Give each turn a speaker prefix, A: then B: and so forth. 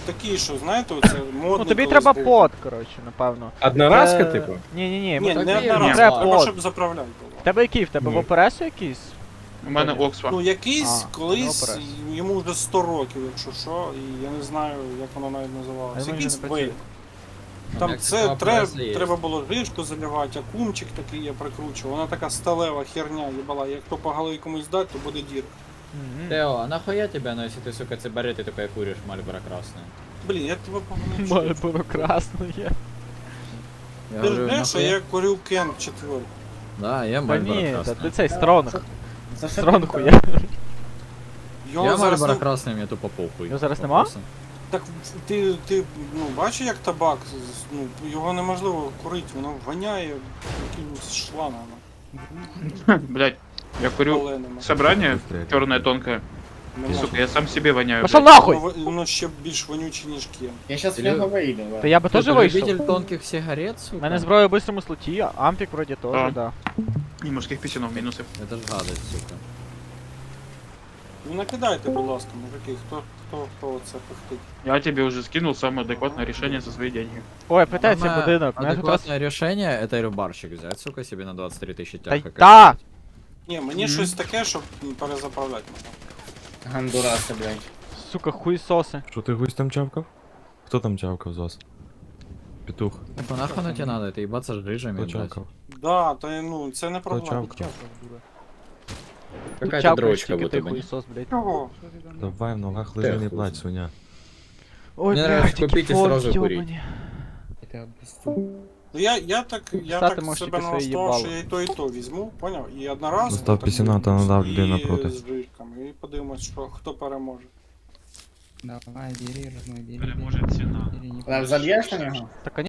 A: такий, що, знаєте, оце модно.
B: Ну тобі
A: колись
B: треба
A: був.
B: под, коротше, напевно.
C: Одноразка, типу?
B: Ні-ні-ні,
A: Ні, не
D: так є,
A: одноразово,
B: треба
A: треба,
B: под.
A: щоб заправляти було.
B: В тебе який? В тебе в
C: Ну.
B: опересу якийсь?
D: У мене Оксфа.
A: Ну, якийсь
B: А,
A: колись,
B: добре.
A: йому вже 100 років, якщо що, і я не знаю, як воно навіть
B: А
A: називалося.
B: він вже
A: Якийсь
B: не працює.
A: вейп. Там
D: Як
A: це
D: така преса є.
A: треба було гришку заливати, а кумчик такий я прикручував. Вона така сталева херня їбала. Як то по голові комусь дать, то буде дірка.
B: Мгм.
D: Тео, а нахуя тебя, ну если ты, сука, сигареты такое куришь, Мальборо красное?
A: Блін, я тебе погано чую.
B: Мальборо красне є.
D: Я
A: Ти ж
D: говорю,
A: знаєш, що
D: нахуя?
A: я курю Кент 4.
D: Да, я
B: Та
D: Мальборо
B: ні, та
D: красное.
B: ти цей стронг.
E: За що
B: Стронг
E: ти
B: хуя.
A: Його
D: Я
A: зараз
D: Мальборо
A: не-
D: красное, мне тупо похуй.
B: Його зараз нема?
D: Вопросы?
A: Так ти ну, бачиш, як табак, ну, його неможливо курити, воно воняє якимось шлангами.
F: Блять, я курю
A: паленими.
F: собрание черное тонкое.
A: Не
F: И,
A: можу.
F: сука, я сам себе воняю.
B: Пошел
F: блядь.
B: нахуй!
A: Воно ще більш вонюче, ніж Кен.
E: Я щас в
D: Ілю-
E: нього вийду,
B: Та
E: да.
B: я би теж
D: Ты
B: вийшов.
D: любитель тонких сигарет,
B: У
D: сука?
B: мене зброя в бистрому слоті, а ампік вроді теж,
F: А.
B: да.
F: И мужских писюнов минусы.
D: Это ж гадость, сука.
A: Ну накидайте, будь ласка, мужики, хто це пихтить.
F: Я тебе уже скинул самое адекватное решение за свои деньги.
B: Ой, питається
D: Самое
B: будинок. Мене тут раз...
D: адекватное решение это рыбарщик взять, сука, себе на 23 тысячи
B: Та
D: тяг.
B: й та!
A: Ні, мені щось таке, щоб перезаправляти можна.
E: Гандураси, блядь.
B: Сука, хуйсоси.
G: Що ти гусь там чавкав? Хто там чавкав з вас? Петух.
D: Ну нахуй оно тебе надо, это ебаться с жижами,
G: Хто
D: блядь.
G: чавкав?
A: Да, то ну це не
G: Хто
A: проблема.
G: чавкав?
D: Какая-то
B: Чавкаєш
D: дрочка
B: тільки
D: будто
B: ти
D: бы.
B: хуйсос, блядь.
A: Чого?
G: Давай в ногах лежи, не
D: хуй
G: плач,
D: знає.
G: свиня.
B: Ой,
D: Мне нравится
B: блядь,
D: купить и
B: які
D: сразу
B: фотки,
D: курить.
B: йобані.
A: Ну я так
B: Встати можеш
A: себе
B: тільки своє
A: налаштував, що
B: їбало.
A: я і то візьму, поняв? І одноразово.
G: Достав
A: так
G: пісюна та надав
A: і
G: людей напроти.
A: з жирками, і подивимось, що хто переможе.
H: Давай, бери, родной, бери.
F: Бля, может, цена.
H: Бери, не
E: Зальєш на нього?
B: Та,